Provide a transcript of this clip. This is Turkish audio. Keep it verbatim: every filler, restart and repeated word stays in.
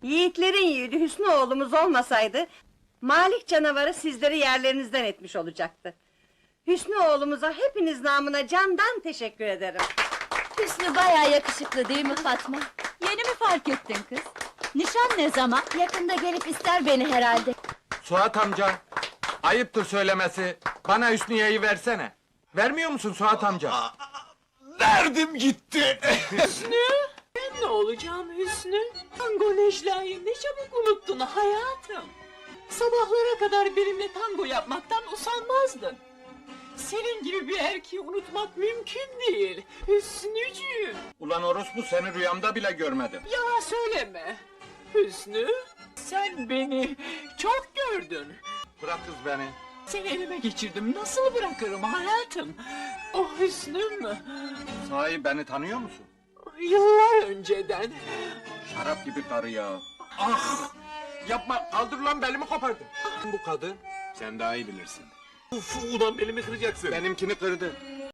Yiğitlerin yiğidi Hüsnü oğlumuz olmasaydı... ...Malik canavarı sizleri yerlerinizden etmiş olacaktı. Hüsnü oğlumuza hepiniz namına candan teşekkür ederim. Hüsnü bayağı yakışıklı değil mi Fatma? Yeni mi fark ettin kız? Nişan ne zaman? Yakında gelip ister beni herhalde. Suat amca, ayıptır söylemesi, bana Hüsniye'yi versene. Vermiyor musun Suat amca? Verdim gitti! Hüsnü! Ben ne olacağım Hüsnü? Tango Necla'yı ne çabuk unuttun hayatım! Sabahlara kadar benimle tango yapmaktan usanmazdın. Senin gibi bir erkeği unutmak mümkün değil, Hüsnücüğüm! Ulan orospu, seni rüyamda bile görmedim. Yalan söyleme! Hüsnü, sen beni çok gördün! Bırak kız beni. Seni elime geçirdim, nasıl bırakırım hayatım? Oh Hüsnüm! Sahi beni tanıyor musun? Yıllar önceden! Şarap gibi karı ya. Ah! Yapma, kaldır lan, belimi kopardın. Bu kadın Sen daha iyi bilirsin. Uf, ulan belimi kıracaksın. benimkini kırdı.